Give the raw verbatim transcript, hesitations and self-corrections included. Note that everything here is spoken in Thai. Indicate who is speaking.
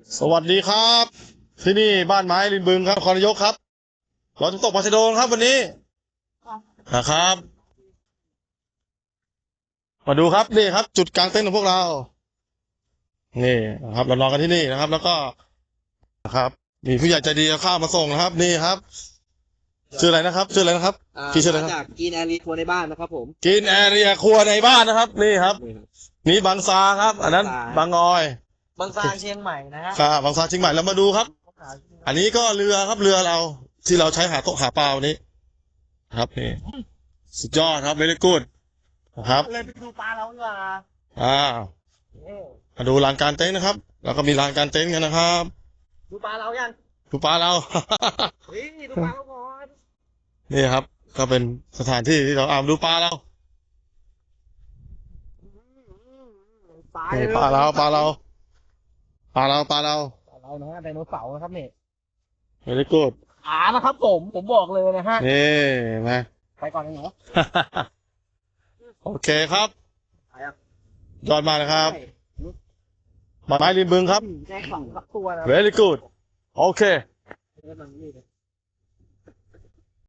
Speaker 1: สวัสดีครับที่นี่บ้านไม้ริมบึงครับนครนายกครับเราจะตกปลาชะโดครับวันนี้นะครับ มาดูครับนี่ครับ จุดกลางเต็นท์ของพวกเรานี่นะครับเรานอนกันที่นี่นะครับ แล้วก็นะครับมีผู้ใหญ่ใจดีเอาข้าวมาส่งนะครับ นี่ครับชื่ออะไรนะครับชื่ออะไรนะครับ
Speaker 2: อ่า
Speaker 1: พี่ชื่ออะไรค
Speaker 2: มา
Speaker 1: รับ
Speaker 2: จากกินแอรีทัวร์ในบ้านนะครับผม
Speaker 1: กินแอเรียครัวในบ้านนะครับ นี่ครับ นี่บางซาครับ อันนั้นบางออย
Speaker 2: บางซาเชียงใหม่นะฮะ
Speaker 1: ครับบางซาเชียงใหม่เรามาดูครับ อันนี้ก็เรือครับเรือเราที่เราใช้หาโต๊ะหาปลาวันนี้ครับนี่สุดยอดครับเวลี่กูดนะครับ
Speaker 2: เลยไปดูปลาเราดีกว่า
Speaker 1: อ่า
Speaker 2: เอ้ย
Speaker 1: มาดูลานกลารเต็นท์นะครับ แล้วก็มีลานกลารเต็นท์กันนะครับ
Speaker 2: ดูปลาเรายัง
Speaker 1: ดูปลาเรา
Speaker 2: เฮ้ยดูปลาเราก่อน
Speaker 1: นี่ครับ ก็เป็นสถานที่ที่เราอาดูปลาเรา
Speaker 2: ปลา
Speaker 1: นี่ปลาเราปลาเราปลาเราปลาเรา
Speaker 2: ปลาเรานะฮะไดโนเสาร์นะครับเนี่ย
Speaker 1: เวลี่กูด
Speaker 2: ขานะครับผมผมบอกเลยนะฮะ
Speaker 1: นี่มา
Speaker 2: ไปก่อนนะหนู
Speaker 1: โอเคครับ
Speaker 2: ไปอ่ะ
Speaker 1: ยอดมากนะครับบ้านไม้ริมบึงครับ
Speaker 2: แจ้งสองตัวนะ
Speaker 1: very good โอเค
Speaker 2: เออมันนี่เลย